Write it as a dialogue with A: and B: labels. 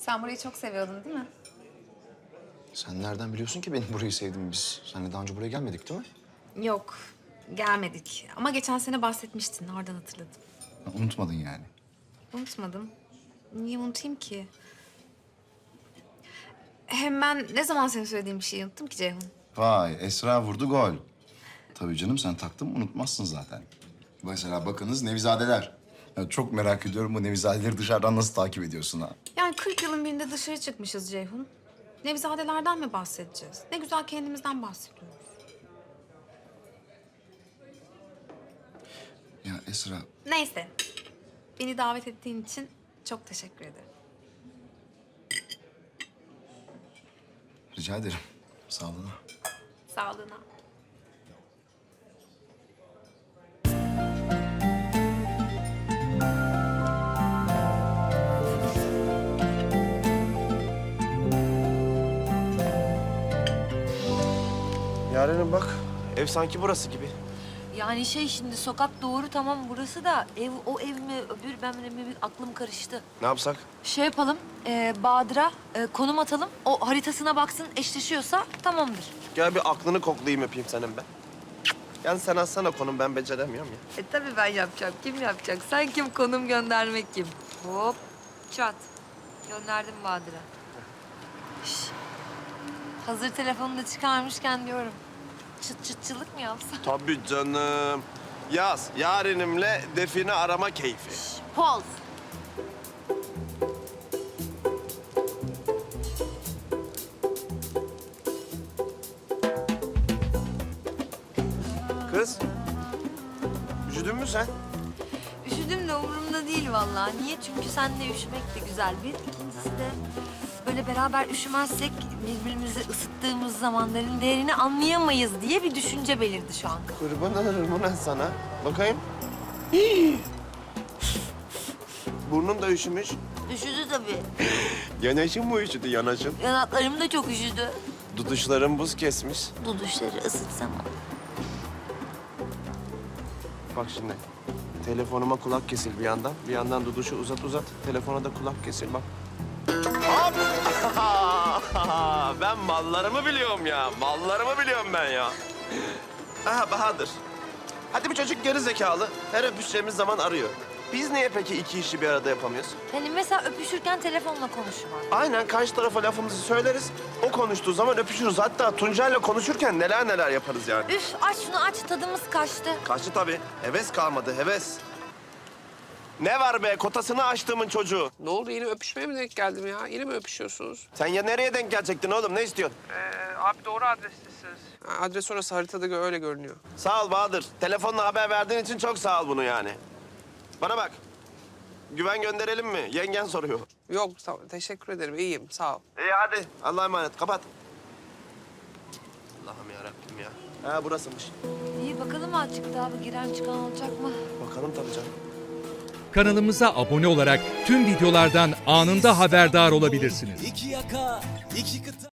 A: Sen burayı çok seviyordun değil mi?
B: Sen nereden biliyorsun ki benim burayı sevdiğimi? Biz seninle daha önce buraya gelmedik değil mi?
A: Yok, gelmedik. Ama geçen sene bahsetmiştin, oradan hatırladım.
B: Ha, unutmadın yani.
A: Unutmadım. Niye unutayım ki? Hem ben ne zaman senin söylediğin bir şeyi unuttum ki Ceyhun?
B: Vay, Esra vurdu gol. Tabii canım, sen taktın mı unutmazsın zaten. Mesela bakınız Nevizadeler. Ya çok merak ediyorum, bu Nevizadeleri dışarıdan nasıl takip ediyorsun ha?
A: Yani 40 yılın birinde dışarı çıkmışız Ceyhun. Nevizadelerden mi bahsedeceğiz? Ne güzel kendimizden bahsediyoruz.
B: Ya Esra,
A: Neyse. Beni davet ettiğin için çok teşekkür ederim.
B: rica ederim. Sağlığına.
A: Sağlığına.
C: Yarenim bak, ev sanki burası gibi.
D: Yani şimdi sokak doğru tamam burası da ev o ev mi öbür ben mi aklım karıştı.
C: Ne yapsak?
D: Şey yapalım Bahadır'a konum atalım. O haritasına baksın eşleşiyorsa tamamdır.
C: Gel bir aklını koklayayım öpeyim senin ben. Yani sen atsana konum, ben beceremiyorum ya.
D: Tabii ben yapacağım. Kim yapacak? Sen kim konum göndermek kim? Hop çat. Gönderdim Bahadır'a. Şş. Hazır telefonu da çıkarmışken diyorum. Çıt çıtçılık mı yapsam?
C: Tabii canım. Yaz, yarenimle define arama keyfi.
D: Poz.
C: Kız, üşüdün mü sen?
D: Üşüdüm de umurumda değil vallahi. Niye? Çünkü seninle üşümek de güzel bir. İkincisi de böyle beraber üşümezsek birbirimizi ısıttığımız zamanların değerini anlayamayız diye bir düşünce belirdi şu an.
C: Kurban olurum ulan sana. Bakayım. Hii. Burnun da üşümüş.
D: Üşüdü tabii.
C: Yanaşın mı üşüdü, yanaşın?
D: Yanaklarım da çok üşüdü.
C: Duduşların buz kesmiş.
D: Duduşları ısıtsam.
C: Bak şimdi. Telefonuma kulak kesil bir yandan. Bir yandan duduşu uzat uzat. Telefona da kulak kesil bak. Hop! Ben mallarımı biliyorum ya. Mallarımı biliyorum ben ya. Aha Bahadır. Hadi bir çocuk geri zekalı. Her öpüşeceğimiz zaman arıyor. Biz niye peki iki işi bir arada yapamıyoruz?
D: Hani mesela öpüşürken telefonla konuşma.
C: Aynen, karşı tarafa lafımızı söyleriz. O konuştuğu zaman öpüşürüz. Hatta Tuncay'la konuşurken neler neler yaparız yani.
D: Üf aç şunu aç tadımız kaçtı.
C: Kaçtı tabii. Heves kalmadı, heves. Ne var be, kotasını açtığımın çocuğu.
E: Ne oldu, yine öpüşmeye mi denk geldim ya? Yine mi öpüşüyorsunuz?
C: Sen ya nereye denk gelecektin oğlum, ne istiyorsun?
E: Abi doğru adrestesiniz. Adres orası, haritada öyle görünüyor.
C: Sağ ol Bahadır. Telefonla haber verdiğin için çok sağ ol bunu yani. Bana bak. Güven gönderelim mi? Yengen soruyor.
E: Yok, teşekkür ederim. İyiyim, sağ ol.
C: İyi hadi. Allah'a emanet. Kapat. Allah'ım yarabbim ya. Ha burasıymış.
D: İyi bakalım azıcık daha bir giren çıkan olacak mı?
C: Bakalım tabii canım.
F: Kanalımıza abone olarak tüm videolardan anında haberdar olabilirsiniz.
G: İki yaka, iki kıta.